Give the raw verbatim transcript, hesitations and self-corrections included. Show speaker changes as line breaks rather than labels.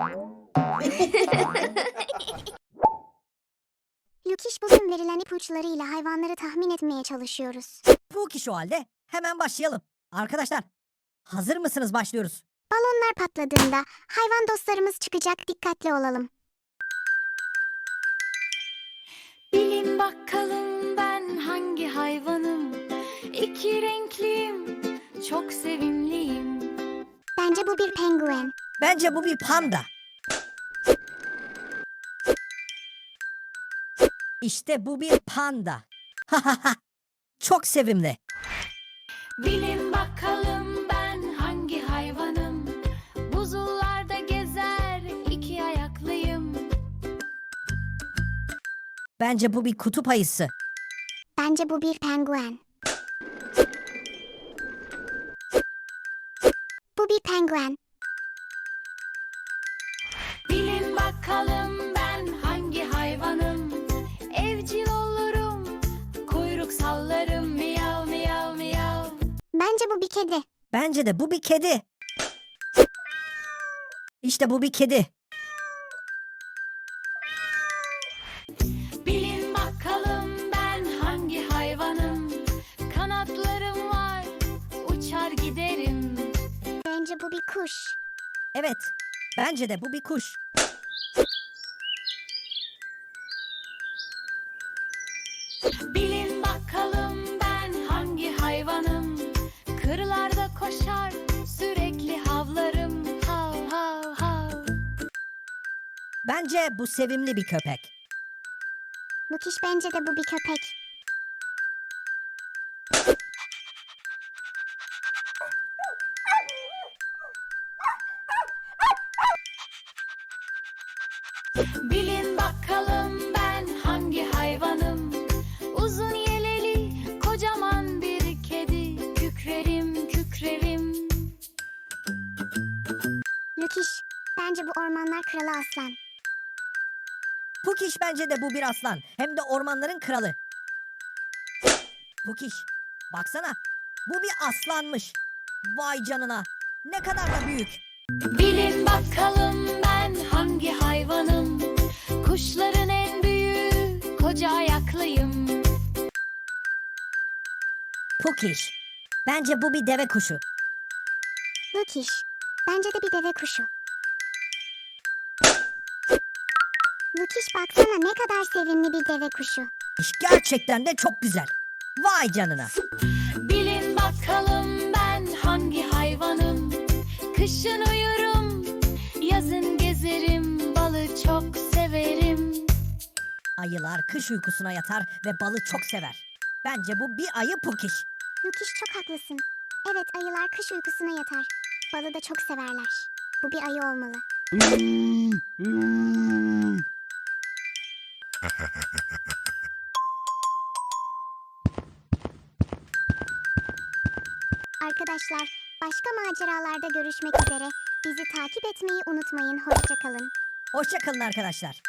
Lukiş, bugün verilen ipuçlarıyla hayvanları tahmin etmeye çalışıyoruz.
Bu kişi o halde hemen başlayalım. Arkadaşlar, hazır mısınız? Başlıyoruz.
Balonlar patladığında hayvan dostlarımız çıkacak, dikkatli olalım.
Bilin bakalım ben hangi hayvanım? İki renkliyim, çok sevimliyim.
Bence bu bir penguen.
Bence bu bir panda. İşte bu bir panda. Çok sevimli.
Bilin bakalım ben hangi hayvanım? Buzullarda gezer, iki ayaklıyım.
Bence bu bir kutup ayısı.
Bence bu bir penguen. Bu bir penguen.
Bilin bakalım ben hangi hayvanım? Evcil olurum, kuyruk sallarım, miyav miyav miyav.
Bence bu bir kedi.
Bence de bu bir kedi. İşte bu bir kedi.
Bilin bakalım ben hangi hayvanım? Kanatlarım var, uçar giderim.
Bence bu bir kuş.
Evet, bence de bu bir kuş.
Bilin bakalım ben hangi hayvanım? Kırlarda koşar, sürekli havlarım. Hav hav hav.
Bence bu sevimli bir köpek.
Lukiş, bence de bu bir köpek.
Bilin bakalım ben hangi hayvanım? Uzun yeleli, kocaman bir kedi. Kükrerim, kükrerim.
Lukiş, bence bu ormanlar kralı aslan.
Bu kiş bence de bu bir aslan. Hem de ormanların kralı. Bu kiş. Baksana. Bu bir aslanmış. Vay canına. Ne kadar da büyük.
Bilin bakalım ben hangi hayvanım? Kuşların en büyüğü, koca ayaklıyım.
Pukiş. Bence bu bir deve kuşu.
Lukiş, bence de bir deve kuşu. Lukiş, baksana ne kadar sevimli bir deve kuşu.
İş gerçekten de çok güzel. Vay canına.
Bilin bakalım ben hangi hayvanım? Kışın uyurum, yazın gezerim. Balı çok severim.
Ayılar kış uykusuna yatar ve balı çok sever. Bence bu bir ayı Pukiş.
Lukiş, çok haklısın. Evet, ayılar kış uykusuna yatar. Balı da çok severler. Bu bir ayı olmalı. Arkadaşlar, başka maceralarda görüşmek üzere. Bizi takip etmeyi unutmayın. Hoşça kalın.
Hoşça kalın arkadaşlar.